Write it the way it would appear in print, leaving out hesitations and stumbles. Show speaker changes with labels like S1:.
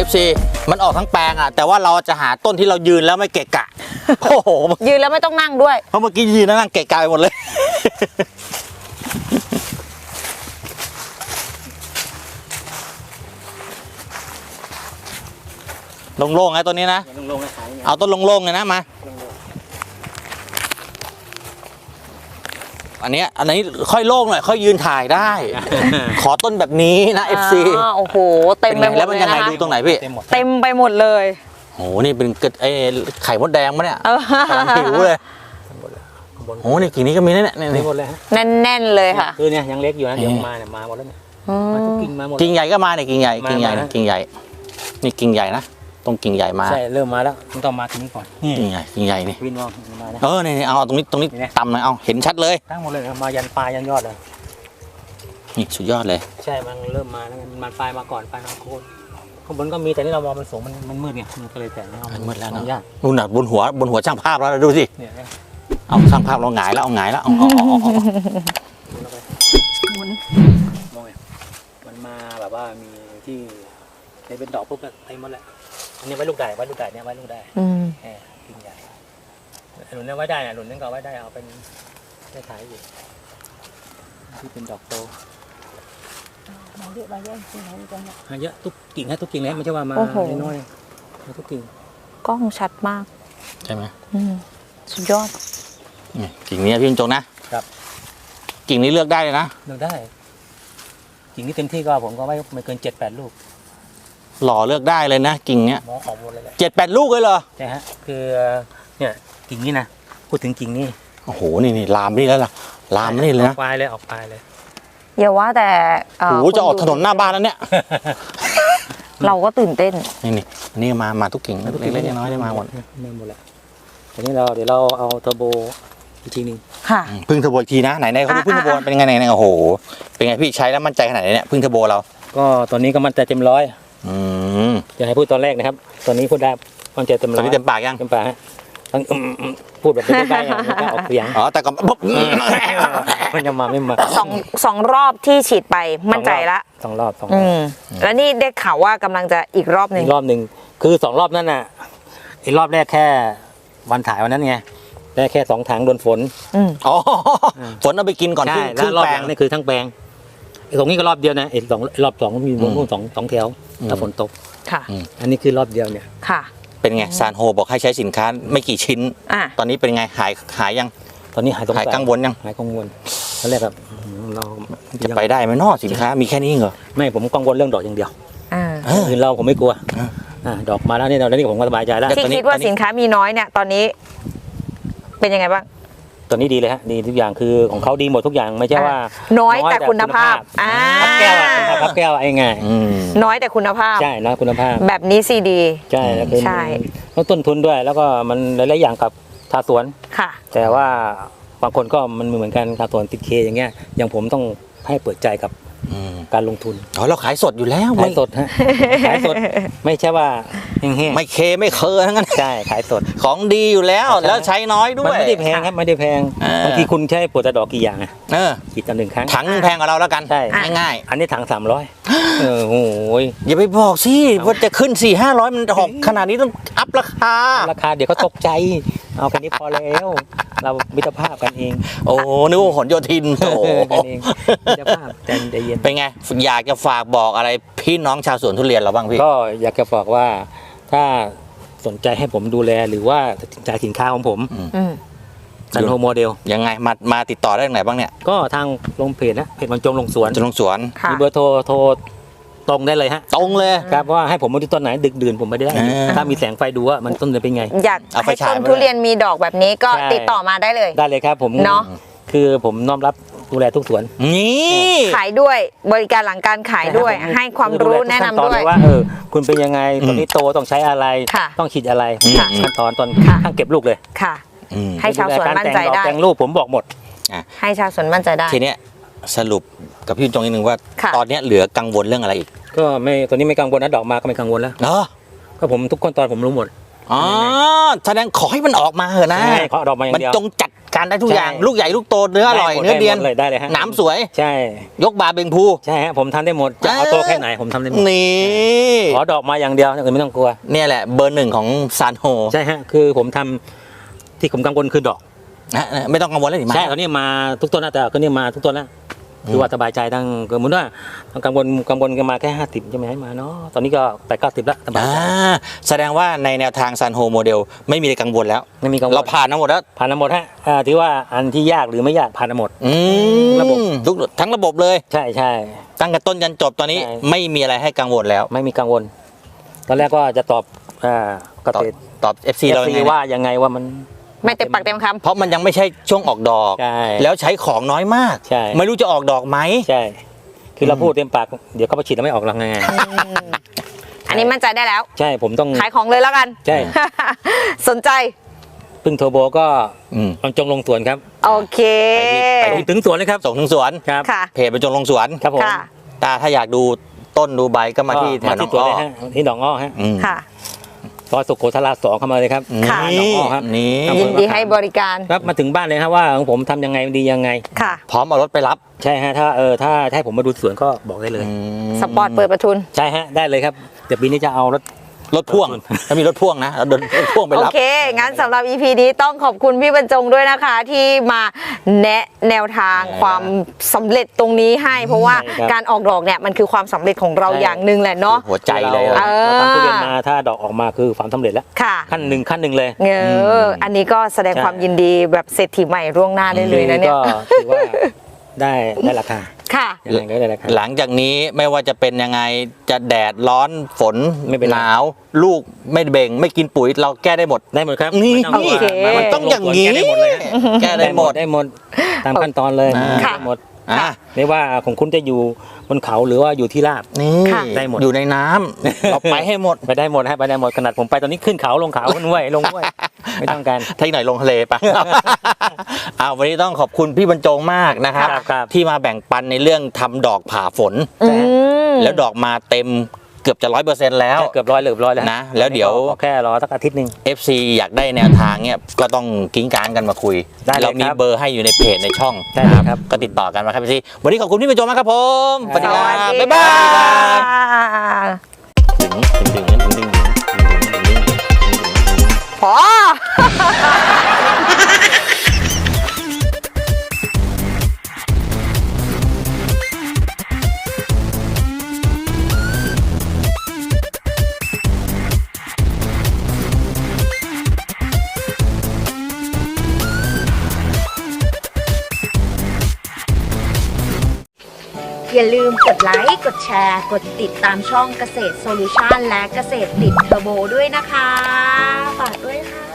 S1: FC มันออกทั้งแปลงอ่ะแต่ว่าเราจะหาต้นที่เรายืนแล้วไม่เกะกะโอ้โห
S2: ยืนแล้วไม่ต้องนั่งด้วย
S1: เพราะเมื่อกี้ยืนนั่งเกะกะไปหมดเลยโล่งๆไงตัวนี้นะเอาต้นโล่งๆเลยนะมาอันนี้ค่อยโล่งหน่อยค่อยยืนถ่ายได้ ขอต้นแบบนี้นะ FC
S2: โอ้โหเต็มไปหมดเลยนะแล้ว
S1: มันยังไงดูตรงไหนพี่
S2: เต็มไปหมดเลย
S1: โอ้โหนี่เป็นไข่มดแดงปะเนี่ยกำลังหิวเลยโอ้นี่กิ่งนี้ก็มีเนี่ย
S3: นี่หมดเลยฮะ
S2: แน่นๆเลยค่ะ
S3: คือเนี่ยยังเล็กอยู่นะเดี๋ยวมาเนี่ยมาหมดแล้วเนี่ยมาทุกกิ่งมาหมด
S1: กิ่งใหญ่ก็มาเนี่ยกิ่งใหญ่นี่กิ่งใหญ่นะตรงกิ่งใหญ่มา
S3: ใช่เริ่มมาแล้วต้องมาตรงนี้ก่อน
S1: กิ่งใหญ่นี่
S3: วินวองมานะ
S1: นี่เอาตรงนี้ต่ำหน่อยเอาเห็นชัดเลย
S3: ตั้งหมดเลยมายันปลายยันยอดเลย
S1: นี่สุดยอดเลย
S3: ใช่มันเริ่มมาแล้วมันปลายมาก่อนปลายมาโคนข้างบนก็มีแต่นี่เรามองมันสูงมันมืดไงมันก็เลยแต่
S1: มันมืดแล้วเนาะนู่นน่ะบนหัวช่างภาพแล้วดูสิเอาช่างภาพเราหงายแล้วเอา
S3: มันมาแบบว่ามีที่เป็นดอกปุ๊บเต็มหมดแล้วอันนี้ไว้ลูกได้เนี่ยไว้ลูกได้กิ่งใหญ่หนุนเนี่ยไว้ได้เนี่ยหนุนนั่นก็ไว้ได้เอาเป็นได้ขายอยู่ที่เป็นดอกโตเยอะทุกกิ่งให้ทุกกิ่งเลยไม่ใช่ว่ามาน้อยๆทุกกิ่ง
S2: กล้องชัดมาก
S1: ใช่ไหม
S2: สุดยอด
S1: กิ่งนี้พี่จงนะครับกิ่งนี้เลือกได้เลยนะ
S3: เลือกได้กิ่งนี้เต็มที่ก็ผมก็ไม่เกิน7-8 ลูก
S1: หล่อเลือกได้เลยนะกิ่งเนี้ย
S3: ของหมดเลย
S1: 7-8 ลูกเลยเหรอ
S3: ใช่ฮะคือเนี่ยกิ่งนี้นะพูดถึงกิ่งนี้
S1: โอ้โหนี่ลามนี่แล้วล่ะลามนี่เลยนะ
S3: ออกปลายเลย
S2: อย่าว่าแต่
S1: โอ้โหจะออกถนนหน้าบ้านแล้วเนี่ย
S2: เราก็ตื่นเต้น
S1: นี่มาทุกกิ่งเล็กๆน้อยๆได้มาหมด
S3: แล้วทีนี้เดี๋ยวเราเอาเทอร์โบอีกทีนึง
S2: ค่ะ
S1: พึ่งเทอร์โบอีกทีนะไหนเขาดูพึ่งเทอร์โบเป็นไงโอ้โหเป็นไงพี่ใช้แล้วมั่นใจขนาดไหนเนี่ยพึ่งเทอร์โบเรา
S3: ก็ตอนนี้ก็มั่นใจเต็ม100จะให้พูดตอนแรกนะครับตอนนี้พูดได้มั่นใจเต็ม100
S1: ตอนนี้เต็มปากยัง
S3: เต็มปากฮะต้องพูดแบบไม่ได้ไม่ออกเสียง
S1: แต่ก็
S3: มันจะมาไม่มา
S2: สองรอบที่ฉีดไปมั่นใจละ
S3: 2 รอบ
S2: แล้วนี่ได้ข่าวว่ากำลังจะอีกรอบหนึ่ง
S3: คือ2 รอบนั่นน่ะอีกรอบแรกแค่วันถ่ายวันนั้นไงได้แค่2 ถังโดนฝน
S1: ฝนเอาไปกินก่อนครึ่งแปลง
S3: นี่คือทั้งแปลงตรงนี้ก็รอบเดียวนะรอบ2มีนู่นสองแถวถ้าฝนตก
S2: ค่ะ
S3: อันนี้คือรอบเดียวเนี่ย
S2: ค่ะ
S1: เป็นไงซานโฮบอกให้ใช้สินค้าไม่กี่ชิ้นตอนนี้เป็นไงหายยัง
S3: ตอนนี้หาย
S1: กังวลยัง
S3: หายกังวลตอนแรกแบบเรา
S1: จะไปได้ไหมนอกสินค้ามีแค่นี้เหรอ
S3: ไม่ผมกังวลเรื่องดอกอย่างเดียวอื่นเราผมไม่กลัวดอกมาแล้วนี่ผมก็สบายใจแล้ว
S2: ที่คิดว่าสินค้ามีน้อยเนี่ยตอนนี้เป็นยังไงบ้าง
S3: ตอนนี้ดีเลยฮะดีทุกอย่างคือของเขาดีหมดทุกอย่างไม่ใช่ว่า
S2: น้อยแต่คุณภาพ
S3: พับแก้วพับแก้วไอ้ไง
S2: น้อยแต่คุณภาพ
S3: ใช่นะคุณภาพ
S2: แบบนี้ซีดี
S3: ใช่แล้วเป็นต้องต้นทุนด้วยแล้วก็มันหลายๆอย่างกับชาวสวน
S2: ค่ะ
S3: แต่ว่าบางคนก็มันเหมือนกันชาวสวนติดเคอย่างเงี้ยอย่างผมต้องให้เปิดใจกับการลงทุน
S1: เราขายสดอยู่แล้ว
S3: ขายสดฮะขายสดไม่ใช่ว่าแห้ง
S1: ๆไม่เคไม่เคยทั้งนั้น
S3: ใช่ขายสด
S1: ของดีอยู่แล้วใช้น้อยด้วย
S3: มันไม่ได้แพงครับไม่ได้แพงบางทีคุณใช้ปวดดอกกี่อย่างกี่ต่อ1 ครั้ง
S1: ถังแพงกว่าเราแล้วกัน
S3: ใช่
S1: ง่าย
S3: อันนี้ถัง300โอ้ย
S1: อย่าไปบอกสิว่าจะขึ้น400-500มันหกขนาดนี้ต้องอัพราคา
S3: เดี๋ยวเขาตกใจเอาแค่นี้พอแล้วเรามิตรภาพกันเอง
S1: โอ้นึกว่าหนโยธินโอ้
S3: กันเองมิตรภาพใจเย็น
S1: เป็นไงอยากจะฝากบอกอะไรพี่น้องชาวสวนทุเรียนเราบ้างพี่
S3: ก็อยากจะบอกว่าถ้าสนใจให้ผมดูแลหรือว่าตัดสินใจสินค้าของผมซันโฮโมเดล
S1: ยังไงมาติดต่อได้ทางไหนบ้างเนี่ย
S3: ก็ทางลงเพจนะเพจบรรจงลงสวนมีเบอร์โทรตรงได้เลยฮะ
S1: ตรงเลย
S3: ครับว่าให้ผมมาดูต้นไหนดึกดื่นผมไม่ได้ถ้ามีแสงไฟดูว่ามันต้นจะเป็นไง
S2: อยากให้ต้นทุเรียนมีดอกแบบนี้ก็ติดต่อมาได้เลย
S3: ครับผม
S2: เนาะ
S3: คือผมน้อมรับดูแลทุกสวน
S1: นี่
S2: ขายด้วยบริการหลังการขายด้วยให้ความรู้แนะนำด้วย
S3: ว่าคุณเป็นยังไงตอนนี้โตต้องใช้อะไรต้องฉีดอะไรขั้นตอนข้างเก็บลูกเลย
S2: ค่ะให้ชาวสวนมั่นใจได้
S3: แต่งลูกผมบอกหมด
S2: ให้ชาวสวนมั่นใจได้
S1: ทีเนี้ยสรุปกับพี่จงนิดนึงว่าตอนนี้เหลือกังวลเรื่องอะไรอีก
S3: ก็ไม่ตอนนี้ไม่กังวลนะดอกมาก็ไม่กังวลแล้ว
S1: เนาะ
S3: ก็ผมทุกขั้นตอนผมรู้หมด
S1: อ๋อแสดงขอให้มันออกมาเถอะนะ
S3: ใช่ขอดอกมาอย่าง
S1: มัน
S3: เดียว
S1: จงจัดการได้ทุกอย่าง
S3: ใช่
S1: ลูกใหญ่ลูกโตเนื้ออร่อย
S3: ได้หมด
S1: เนื้อเดียน
S3: ได้เลยฮะ
S1: หนามสวย
S3: ใช่
S1: ยกบาเบงพู
S3: ใช่ฮะผมทำได้หมดจะเอาโตแค่ไหนผมทำได้หมด
S1: นี่
S3: ขอดอกมาอย่างเดียวอย่างอื่นไม่ต้องกลัว
S1: เนี่ยแหละเบอร์หนึ่งของซานโฮ
S3: ใช่ฮะคือผมทำที่ผมกังวลคือดอก
S1: นะไม่ต้องกังวลเลย
S3: ใช่ตอนนี้มาทุกต้นนะแต่ก็นี่มาทุกต้นแล้วคือว่าสบายใจทั้งสมมติว่ากังวลกันมาแค่50ใช่ไหมให้มาเนาะตอนนี้ก็8-90แล้วสบายใจ
S1: แสดงว่าในแนวทางซานโฮโมเดลไม่มีอะไรกังวลแล้ว
S3: ไม่มีกังวล
S1: เราผ่านมาหมดแล้ว
S3: ผ่านมาหมดฮะที่ว่าอันที่ยากหรือไม่ยากผ่านมาหมด ระบบ
S1: ทุกทั้งระบบเลย
S3: ใช่ใช่
S1: ตั้งแต่ต้นยันจบตอนนี้
S3: ใช่
S1: ไม่มีอะไรให้กังวลแล้ว
S3: ไม่มีกังวล ตอนแรกก็จะตอบเกษตร
S1: ตอบ FC เรายังไง
S3: ว่ายังไงว่ามัน
S2: ไม่เต็มปากเต็มคำ
S1: เพราะมันยังไม่ใช่ช่วงออกดอก
S3: ใช่
S1: แล้วใช้ของน้อยมาก
S3: ใช่
S1: ไม่รู้จะออกดอกไหม
S3: ใช่ คือเราพูดเต็มปากเดี๋ยวเขาไปฉีดแล้วไม่ออกหลังไง
S2: อันนี้มั่นใจได้แล้ว
S3: ใช่ผมต้อง
S2: ขายของเลยแล้วกัน
S3: ใช่
S2: สนใจ
S3: พึ่งโทรโบก็
S1: อืม
S3: บรรจงลงสวนครับ
S2: โอเค
S3: ไปที่ถึงสวนเลยครับ
S1: ส่งถึงสวน
S3: ครับ
S2: ค่ะ
S1: เพจไปจงลงสวน
S3: ครับผม
S2: ค่ะ
S1: ถ้าอยากดูต้นดูใบก็มาที่แถวหน
S3: ที่
S1: อง
S3: สวน
S1: อ้อ
S3: เลยฮะที่หนองอ้อฮะ
S1: อืม
S2: ค่ะ
S3: ซอยสุโขทัย2เข้ามาเลยครับ
S2: ค่ะ
S3: หนองอ้อครับ
S1: นี่
S2: ยินดีให้บริการ
S3: ครับมาถึงบ้านเลยครับว่าของผมทำยังไงดียังไง
S2: ค่ะ
S1: พร้อมเอารถไปรับ
S3: ใช่ฮะถ้าให้ผมมาดูสวนก็บอกได้เลย
S2: สปอร์ตเปิดประทุน
S3: ใช่ฮะได้เลยครับเดี๋ยวปีนี้จะเอารถ
S1: พ่วงถ้ามีรถพ่วงนะเราเดินรถพ่วงไป
S2: โอ
S1: รับ
S2: เค งั้นสำหรับ EP นี้ต้องขอบคุณพี่บรรจงด้วยนะคะ ที่มาแนะแนวทางความสำเร็จตรงนี้ให้ เพราะว่า
S3: ใช่ครับ
S2: การออกดอกเนี่ยมันคือความสำเร็จของเรา
S3: ใช่
S2: อย่างหนึ่งแหละเนาะ
S1: หัวใจเลย
S3: เราทำทุเรียนมาถ้าดอกออกมาคือความสำเร็จแล้ว
S2: ค่ะ
S3: ขั้นหนึ่งเลย
S2: อันนี้ก็แสดง
S3: ใช่
S2: ความยินดีแบบเศรษฐีใหม่ร่วงหน้าได้เลยนะเนี่ย
S3: ก็ถือว่าได้ราคา
S2: ค่ะ
S3: ยังไงก็ได้ราคา
S1: หลังจากนี้ไม่ว่าจะเป็นยังไงจะแดดร้อนฝน
S3: ไม่เป็นไร
S1: หนาว ลูกไม่เบ่งไม่กินปุ๋ยเราแก้ได้หมด
S3: ได้หมดครับ
S1: นี่
S3: ไม่ต้องกลัว
S2: โอเค
S3: มัน
S1: ต้องอย่างนี้
S3: แก้ได้หมดเลยฮะ
S1: แก้ได้หมด
S3: ได้หมดตามขั้นตอนเลย
S1: ค่ะ
S3: ได้หมด
S1: อ่ะ
S3: ไม่ว่าของคุณจะอยู่บนเขาหรือว่าอยู่ที่ราบ
S1: นี่
S2: ค่ะ
S3: ได้หมด
S1: อยู่ในน้ำเราไปให้หมด
S3: ไปได้หมดฮะไปได้หมดขนาดผมไปตอนนี้ขึ้นเขาลงเขาขึ้นห้วยลงห้วยไม่ต้องการ
S1: ถ้าอีกหน่อยลงทะเลไป วันนี้ต้องขอบคุณพี่บรรจงมากนะครับ
S3: ครับ
S1: ที่มาแบ่งปันในเรื่องทำดอกผ่าฝน
S2: อืม
S1: แล้วดอกมาเต็มเกือบจะ 100%แล้ว
S3: เกือบร้อยแล้ว
S1: นะแล้วเดี๋ยว
S3: ขอแค่รอสักอาทิตย์หนึ่ง
S1: FC อยากได้แนวทางเนี่ยก็ต้องกิ้งกางกันมาคุย
S3: ได้เลย
S1: เรามี
S3: ครับ
S1: เบอร์ให้อยู่ในเพจในช่อง
S3: ได้เลยครับ
S1: ก็ติดต่อกันมาครับพี่วันนี้ขอบคุณพี่บรรจงมากครับผมสวัสดีครับ
S2: สวัสดี
S1: บ๊ายบาย
S2: ค่ะ
S1: ดึงดึงดึงดึงดึงดึงดึงดึงดึงดึง
S2: พอ
S4: อย่าลืมกดไลค์ กดแชร์ กดติดตามช่องเกษตรโซลูชันและเกษตรติดเทอร์โบด้วยนะคะ ฝากด้วยค่ะ